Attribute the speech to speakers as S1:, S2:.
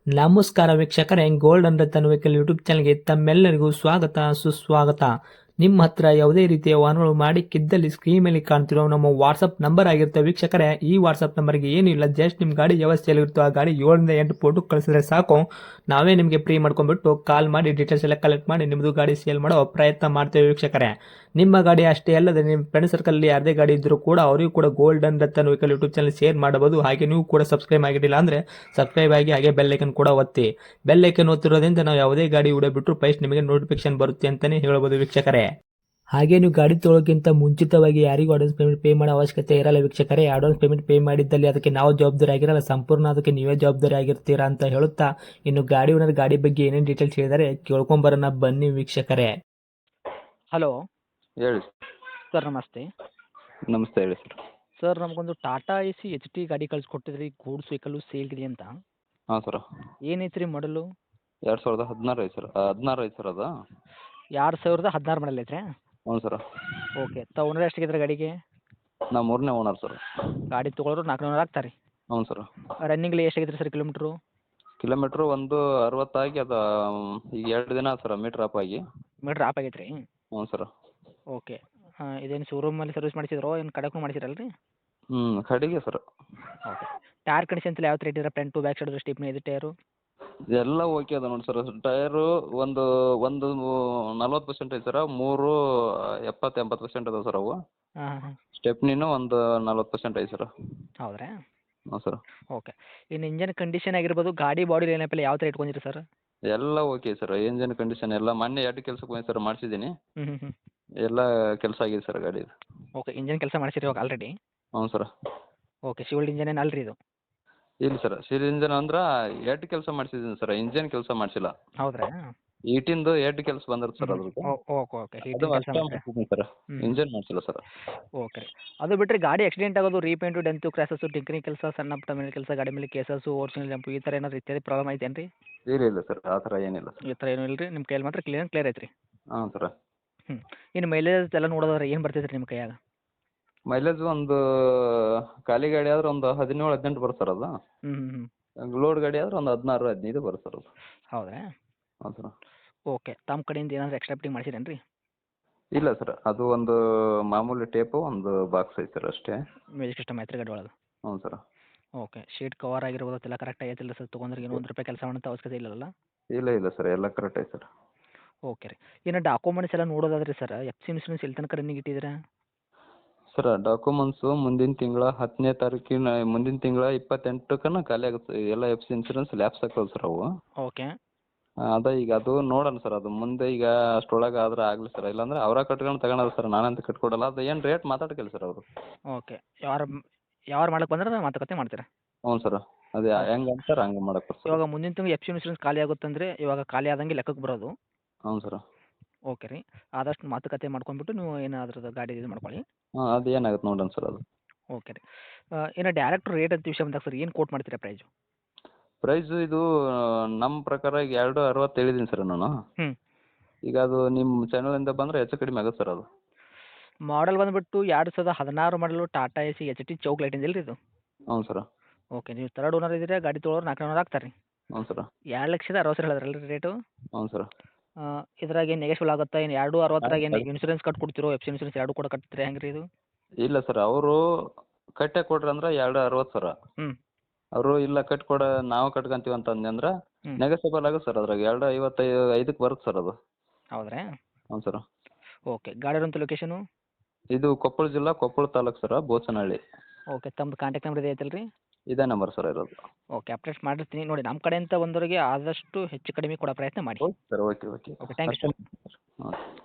S1: ನಮಸ್ಕಾರ ವೀಕ್ಷಕರೇ, gold and Ratan vehicle YouTube ಚಾನಲ್ಗೆ ತಮ್ಮೆಲ್ಲರಿಗೂ ಸ್ವಾಗತ ಸುಸ್ವಾಗತ. ನಿಮ್ಮ ಹತ್ರ ಯಾವುದೇ ರೀತಿಯ ವಾಹನಗಳು ಮಾಡಿಕ್ಕಿದ್ದಲ್ಲಿ ಸ್ಕ್ರೀನ್ ಮೇಲೆ ಕಾಣ್ತಿರೋ ನಮ್ಮ ವಾಟ್ಸಪ್ ನಂಬರ್ ಆಗಿರುತ್ತೆ ವೀಕ್ಷಕರೇ. ಈ ವಾಟ್ಸಪ್ ನಂಬರ್ಗೆ ಏನಿಲ್ಲ, ಜಸ್ಟ್ ನಿಮ್ಮ ಗಾಡಿ ವ್ಯವಸ್ಥೆಯಲ್ಲಿರುತ್ತೋ ಆ ಗಾಡಿ 7 ರಿಂದ 8 ಫೋಟೋ ಕಳಿಸಿದ್ರೆ ಸಾಕು, ನಾವೇ ನಿಮಗೆ ಫ್ರೀ ಮಾಡ್ಕೊಂಡ್ಬಿಟ್ಟು ಕಾಲ್ ಮಾಡಿ ಡೀಟೇಲ್ಸ್ ಎಲ್ಲ ಕಲೆಕ್ಟ್ ಮಾಡಿ ನಿಮ್ಮದು ಗಾಡಿ ಸೇಲ್ ಮಾಡೋ ಪ್ರಯತ್ನ ಮಾಡ್ತೇವೆ ವೀಕ್ಷಕರೇ. ನಿಮ್ಮ ಗಾಡಿ ಅಷ್ಟೇ ಅಲ್ಲದೆ ನಿಮ್ಮ ಫ್ರೆಂಡ್ ಸರ್ಕಲ್ ಯಾರದೇ ಗಾಡಿ ಇದ್ದರೂ ಕೂಡ ಅವರಿಗೂ ಕೂಡ gold and Ratan vehicle YouTube channel share ಮಾಡಬಹುದು. ಹಾಗೆ ನೀವು ಕೂಡ ಸಬ್ಸ್ಕ್ರೈಬ್ ಆಗಿರಲಿಲ್ಲ ಅಂದರೆ ಸಬ್ಸ್ಕ್ರೈಬ್ ಆಗಿ ಹಾಗೆ ಬೆಲ್ ಐಕನ್ ಕೂಡ ಒತ್ತಿ. ಬೆಲ್ ಐಕನ್ ಒತ್ತಿರೋದ್ರಿಂದ ನಾವು ಯಾವುದೇ ಗಾಡಿ ವಿಡಿಯೋ ಬಿಟ್ಟರು ಫಸ್ಟ್ ನಿಮಗೆ ನೋಟಿಫಿಕೇಶನ್ ಬರುತ್ತೆ ಅಂತಲೇ ಹೇಳ್ಬೋದು ವೀಕ್ಷಕರೇ. ಹಾಗೆ ನೀವು ಗಾಡಿ ತೊಳೋಕ್ಕಿಂತ ಮುಂಚಿತವಾಗಿ ಯಾರಿಗೂ ಅಡ್ವಾನ್ಸ್ ಪೇಮೆಂಟ್ ಪೇ ಮಾಡೋ ಅವಶ್ಯಕತೆ ಇರಲ್ಲ ವೀಕ್ಷಕರೇ. ಅಡ್ವಾನ್ಸ್ ಪೇಮೆಂಟ್ ಪೇ ಮಾಡಿದ್ದಲ್ಲಿ ಅದಕ್ಕೆ ನಾವು ಜವಾಬ್ದಾರಿ ಆಗಿರಲ್ಲ, ಸಂಪೂರ್ಣ ಅದಕ್ಕೆ ನೀವೇ ಜವಾಬ್ದಾರಿ ಆಗಿರ್ತೀರಾ ಅಂತ ಹೇಳುತ್ತಾ, ಇನ್ನು ಗಾಡಿ ಓನರ್ ಗಾಡಿ ಬಗ್ಗೆ ಏನೇನು ಡೀಟೇಲ್ಸ್ ಹೇಳಿದರೆ ಕೇಳ್ಕೊಂಬರೋಣ ಬನ್ನಿ ವೀಕ್ಷಕರೇ.
S2: ಹಲೋ
S3: ಹೇಳಿ
S2: ಸರ್, ನಮಸ್ತೆ.
S3: ನಮಸ್ತೆ ಹೇಳಿ ಸರ್.
S2: ಸರ್, ನಮಗೊಂದು Tata A C H T ಗಾಡಿ ಕಳಿಸ್ಕೊಟ್ಟಿದ್ರಿ, ಗೂಡ್ಸ್ ವೆಹಿಕಲ್ಲು ಸೇಲ್ಗಿದೆ ಅಂತ.
S3: ಹಾಂ ಸರ,
S2: ಏನೈತೆ ರೀ ಮಾಡಲು?
S3: 2016 ಐತೆ ಸರ್. 16 ಐತೆ ಸರ್ ಅದು.
S2: 2016 ಮಾಡಲ್ ಐತ್ರಿ?
S3: ಹ್ಞೂ ಸರ.
S2: ಓಕೆ. ಓನರ್ ಎಷ್ಟಾಗಿದ್ರೆ ಗಾಡಿಗೆ?
S3: ನಾ 3ನೇ ಓನರ್ ಸರ್.
S2: ಗಾಡಿ ತೊಗೊಳೋರು 400 ಆಗ್ತಾರೆ.
S3: ಹ್ಞೂ ಸರ್.
S2: ರನ್ನಿಂಗ್ಲಿ ಎಷ್ಟಾಗಿದ್ರಿ ಸರ್ ಕಿಲೋಮೀಟ್ರು?
S3: ಕಿಲೋಮೀಟ್ರು ಒಂದು 60 ಆಗಿ ಅದು ಈಗ 2 ದಿನ ಸರ್ ಮೀಟ್ರ್ ಆಪ್ ಆಗಿ.
S2: ಮೀಟ್ರ್ ಆಪ್ ಆಗೈತೆ ರೀ?
S3: ಹ್ಞೂ ಸರ್.
S2: ಓಕೆ. ಇದೇನು ಶೋರೂಮಲ್ಲಿ ಸರ್ವಿಸ್ ಮಾಡಿಸಿದ್ರೋ ಏನು ಕಡೆಗೂ ಮಾಡಿಸಿರಲ್ಲ ರೀ?
S3: ಕಡೆಗೆ ಸರ್.
S2: ಓಕೆ. ಟೈರ್ ಕಂಡೀಷನ್ ಯಾವ ಥರ ಇಟ್ಟಿರ? ಫ್ರಂಟು ಬ್ಯಾಕ್ ಸೈಡ್ ಸ್ಟಿಪ್ನಿ ಇದು ಟೈರು?
S3: ಎಲ್ಲ ಓಕೆ ಅದ ನೋಡಿ ಸರ್. ಟಯರು ಒಂದು ಒಂದು 40% ಐತೆ ಸರ. 3 70-80% ಅದಾವೆ ಸರ್ ಅವು.
S2: ಹಾಂ ಹಾಂ ಹಾಂ.
S3: ಸ್ಟೆಪ್ನಿನೂ ಒಂದು 40% ಐತೆ ಸರ್.
S2: ಹೌದ್ರಾ?
S3: ಹ್ಞೂ ಸರ್.
S2: ಓಕೆ. ಇನ್ನು ಇಂಜನ್ ಕಂಡೀಷನ್ ಆಗಿರ್ಬೋದು, ಗಾಡಿ ಬಾಡಿ ಲೈನಪ್ ಎಲ್ಲ ಯಾವ ಥರ ಇಟ್ಕೊಂಡಿರಿ ಸರ್?
S3: ಎಲ್ಲ ಓಕೆ ಸರ್. ಇಂಜನ್ ಕಂಡೀಷನ್ ಎಲ್ಲ ಮೊನ್ನೆ 2 ಕೆಲಸಕ್ಕೆ ಹೋಗಿ ಸರ್ ಮಾಡಿಸಿದ್ದೀನಿ.
S2: ಹ್ಞೂ ಹ್ಞೂ ಹ್ಞೂ.
S3: ಎಲ್ಲ ಕೆಲಸ ಆಗಿದೆ ಸರ್ ಗಾಡಿದು.
S2: ಓಕೆ. ಇಂಜನ್ ಕೆಲಸ ಮಾಡಿಸಿರಿ ಇವಾಗ ಆಲ್ರೆಡಿ?
S3: ಹ್ಞೂ ಸರ್.
S2: ಓಕೆ. ಶಿವಲ್ಡ್ ಇಂಜನ್ ಏನು ಅಲ್ರಿ ಇದು?
S3: ಇಲ್ಲ ಸರ್, ಸಿಲ್ ಇಂಜನ್ ಅಂದ್ರೆ 2 ಕೆಲಸ ಮಾಡಿಸಿದ್ದೀನಿ ಸರ್, ಇಂಜನ್ ಕೆಲಸ ಮಾಡಿಸಿಲ್ಲ.
S2: ಹೌದ್ರಾ?
S3: ಈಟಿಂದು 2 ಕೆಲಸ ಬಂದಿರುತ್ತೆ ಸರ್ ಅದ್ರದ್ದು.
S2: Okay okay.
S3: ಅದು
S2: ಹೀಟಿಂಗ್ ಕೆಲಸ
S3: ಅಷ್ಟೇ
S2: ಮಾಡಿದ್ರೆ?
S3: ಮಾಡಿಸಿದ್ದೀನಿ ಸರ್.
S2: ಹ್ಞೂ.
S3: ಇಂಜನ್ ಮಾಡಿಸಿಲ್ಲ ಸರ್.
S2: ಓಕೆ ರೀ. ಅದು ಬಿಟ್ಟರೆ ಗಾಡಿ ಆಕ್ಸಿಡೆಂಟ್ ಆಗೋದು, ರೀಪೇಂಟು, ಡೆಂತು, ಕ್ರ್ಯಾಸಸ್ಸು, ಟಿಂಕರಿಂಗ್ ಕೆಲಸ, ಸಣ್ಣ ಪುಟ್ಟ ಮೇಲೆ ಕೆಲಸ, ಗಾಡಿ ಮೇಲೆ ಕೇಸಸ್ಸು, ಓರ್ಜಿನಲ್ ಜಂಪು, ಈ ಥರ ಏನಾದ್ರು ಇತ್ಯಾದಿ ಪ್ರಾಬ್ಲಮ್ ಐತೇನು ರೀ?
S3: ಇಲ್ಲ ಸರ್, ಆ ಥರ ಏನಿಲ್ಲ ಸರ್.
S2: ಈ ಥರ ಏನೂ ಇಲ್ಲ ರೀ? ನಿಮ್ಮ ಕೈಯಲ್ಲಿ ಮಾತ್ರ ಕ್ಲಿಯರ್ ಐತೆ ರೀ?
S3: ಹಾಂ ಸರ್.
S2: ಹ್ಞೂ. ಇನ್ನು ಮೈಲೇಜ್ ಎಲ್ಲ ನೋಡೋದಾದ್ರೆ ಏನು ಬರ್ತೈತೆ ರೀ ನಿಮ್ಮ ಕೈಯಾಗ?
S3: ಮೈಲೇಜ್ ಒಂದು ಖಾಲಿ ಗಾಡಿ ಆದ್ರೆ ಒಂದು 17-18 ಬರುತ್ತೆ ಸರ್ ಅದು.
S2: ಹ್ಞೂ ಹ್ಞೂ ಹ್ಞೂ.
S3: ಲೋಡ್ ಗಾಡಿ ಆದ್ರೆ ಒಂದು 16-15 ಬರುತ್ತೆ ಸರ್ ಅದು.
S2: ಹೌದ್ರಾ?
S3: ಹಾಂ ಸರ್.
S2: ಓಕೆ. ತಮ್ಮ ಕಡೆಯಿಂದ ಏನಾದರೂ ಎಕ್ಸ್ಟ್ರಾ ಫಿಟ್ಟಿಂಗ್ ಮಾಡಿಸಿರೇನು ರೀ?
S3: ಇಲ್ಲ ಸರ್, ಅದು ಒಂದು ಮಾಮೂಲಿ ಟೇಪು ಒಂದು ಬಾಕ್ಸ್ ಐತೆ ಸರ್ ಅಷ್ಟೇ.
S2: ಮ್ಯೂಸಿಕ್ ಸಿಸ್ಟಮ್ ಐತೆ ರೀ ಗಾಡಿ ಒಳಗೆ?
S3: ಹ್ಞೂ ಸರ್.
S2: ಓಕೆ. ಶೀಟ್ ಕವರ್ ಆಗಿರ್ಬೋದು ಅದೆಲ್ಲ ಕರೆಕ್ಟ್ ಆಗೈತಿಲ್ಲ ಸರ್? ತೊಗೊಂಡ್ರೆ ಏನೋ ₹1 ಕೆಲಸ ಮಾಡೋಂಥ ಅವಶ್ಯಕತೆ ಇಲ್ಲಲ್ಲ?
S3: ಇಲ್ಲ ಸರ್, ಎಲ್ಲ ಕರೆಕ್ಟ್ ಐತೆ ಸರ್.
S2: ಓಕೆ ರೀ. ಇನ್ನು ಡಾಕ್ಯುಮೆಂಟ್ಸ್ ಎಲ್ಲ ನೋಡೋದಾದ್ರೆ ಸರ್, ಎಫ್ ಸಿ ಇನ್ಶೂರೆನ್ಸ್ ಎಲ್ಲಿ ತನಕ ರನ್ನಿಂಗ್ ಇಟ್ಟಿದ್ದೀರಾ?
S3: ಸರ್ ಡಾಕ್ಯುಮೆಂಟ್ಸು ಮುಂದಿನ ತಿಂಗಳ 10ನೇ ತಾರೀಕಿನ, ಮುಂದಿನ ತಿಂಗಳ 28ಕ್ಕನ ಖಾಲಿ ಆಗುತ್ತೆ. ಎಲ್ಲ ಎಫ್ ಸಿ ಇನ್ಸೂರೆನ್ಸ್ ಲ್ಯಾಪ್ಸ್ ಆಗ್ತವೆ ಸರ್ ಅವು.
S2: ಓಕೆ.
S3: ಅದೇ ಈಗ ಅದು ನೋಡೋಣ ಸರ್, ಅದು ಮುಂದೆ ಈಗ ಅಷ್ಟರೊಳಗೆ ಆದ್ರೆ ಆಗಲಿ ಸರ್, ಇಲ್ಲಾಂದ್ರೆ ಅವರ ಕಟ್ಕೊಂಡು ತಗೊಳೋದು ಸರ್, ನಾನಂತ ಕಟ್ಕೊಡಲ್ಲ. ಅದು ಏನು ರೇಟ್ ಮಾತಾಡ್ಕಿಲ್ಲ ಸರ್ ಅವರು.
S2: ಓಕೆ. ಯಾರು ಮಾಡಕ್ಕೆ ಬಂದ್ರೆ ಮಾತುಕತೆ ಮಾಡ್ತೀರಾ?
S3: ಹ್ಞೂ ಸರ್, ಅದೇ ಹೆಂಗೆ ಅಂತಾರೆ ಹಂಗೆ ಮಾಡಕ್ಕೆ ಸರ್.
S2: ಇವಾಗ ಮುಂದಿನ ತಿಂಗಳು ಎಫ್ ಸಿ ಇನ್ಶೂರೆನ್ಸ್ ಖಾಲಿ ಆಗುತ್ತಂದರೆ ಇವಾಗ ಖಾಲಿ ಆದಂಗೆ ಲೆಕ್ಕಕ್ಕೆ ಬರೋದು.
S3: ಹ್ಞೂ ಸರ್.
S2: ಓಕೆ ರೀ. ಆದಷ್ಟು ಮಾತುಕತೆ ಮಾಡ್ಕೊಂಡ್ಬಿಟ್ಟು ನೀವು ಏನಾದ್ರದ್ದು ಗಾಡಿ ಇದು ಮಾಡ್ಕೊಳ್ಳಿ.
S3: ಹಾಂ, ಅದು ಏನಾಗುತ್ತೆ ನೋಡೋಣ ಸರ್ ಅದು.
S2: ಓಕೆ ರೀ. ಇನ್ನು ಡೈರೆಕ್ಟ್ ರೇಟ್ ಅಂತ ವಿಷಯ ಬಂದಾಗ ಸರ್, ಏನು ಕೋಟ್ ಮಾಡ್ತೀರಾ ಪ್ರೈಸು?
S3: ಪ್ರೈಸು ಇದು ನಮ್ಮ ಪ್ರಕಾರ ಈಗ 260 ಹೇಳಿದ್ದೀನಿ ಸರ್ ನಾನು.
S2: ಹ್ಞೂ.
S3: ಈಗ ಅದು ನಿಮ್ಮ ಚಾನಲಿಂದ ಬಂದರೆ ಹೆಚ್ಚು ಕಡಿಮೆ ಆಗುತ್ತೆ ಸರ್ ಅದು.
S2: ಮಾಡಲ್ ಬಂದುಬಿಟ್ಟು 2016 ಮಾಡಲು Tata A C H T ಚೌಕ್ ಲೈಟ್ ಇಲ್ಲ ರೀ ಇದು?
S3: ಹ್ಞೂ ಸರ್.
S2: ಓಕೆ. ನೀವು ಥರ್ಡ್ ಓನರ್ ಇದ್ದೀರಾ, ಗಾಡಿ ತೊಗೊಳೋರು 400 ಆಗ್ತಾರೆ ರೀ?
S3: ಹ್ಞೂ ಸರ್.
S2: 2,60,000 ಹೇಳಿದ್ರಲ್ಲ ರೀ ರೇಟು?
S3: ಹ್ಞೂ ಸರ್.
S2: ಇದ್ರಾಗ ಏನು ನೆಗೆಶ್ವಲ್ ಆಗುತ್ತಾ? ಏನು 260 ಏನು ಇನ್ಶೂರೆನ್ಸ್ ಕಟ್ಕೊಡ್ತಿರೋ, ಎಫ್ ಸಿ ಇನ್ಶೂರೆನ್ಸ್ ಎರಡೂ ಕೂಡ ಕಟ್ತೀರಾ ಹೆಂಗೆ ರೀ ಇದು?
S3: ಇಲ್ಲ ಸರ್, ಅವರು ಕಟ್ಟೆ ಕೊಡ್ರಿ ಅಂದ್ರೆ 260 ಸರ.
S2: ಹ್ಞೂ.
S3: ಅವರು ಇಲ್ಲ ಕಟ್ಕೊಡ ನಾವು ಕಟ್ಕೊಂತೀವಿ ಅಂತ ಅಂದ್ನಂದ್ರೆ
S2: ಹ್ಞೂ.
S3: ನೆಗೋಸಿಯಬಲ್ ಆಗುತ್ತೆ ಸರ್. ಅದ್ರಾಗ 255ಕ್ಕೆ ಬರುತ್ತೆ ಸರ್ ಅದು.
S2: ಹೌದ್ರಾ?
S3: ಹ್ಞೂ ಸರ್.
S2: ಓಕೆ. ಗಾಡಿ ಇರೋಂಥ ಲೊಕೇಶನು?
S3: ಇದು ಕೊಪ್ಪಳ ಜಿಲ್ಲಾ, ಕೊಪ್ಪಳ ತಾಲೂಕು ಸರ, ಬೋಚನಹಳ್ಳಿ.
S2: ಓಕೆ. ತಮ್ಮದು ಕಾಂಟ್ಯಾಕ್ಟ್ ನಂಬರ್ ಇದೆ ಐತಲ್ಲ ರೀ?
S3: ಇದೇ ನಂಬರ್ ಸರ್ ಇರೋದು.
S2: ಓಕೆ. ಅಪ್ಡೇಟ್ ಮಾಡಿರ್ತೀನಿ ನೋಡಿ. ನಮ್ಮ ಕಡೆಯಿಂದ ಬಂದವರಿಗೆ ಆದಷ್ಟು ಹೆಚ್ಚು ಕಡಿಮೆ ಕೊಡೋ ಪ್ರಯತ್ನ ಮಾಡಿ.
S3: Okay sir, okay.
S2: Okay. Thank you sir.
S3: ಹಾಂ.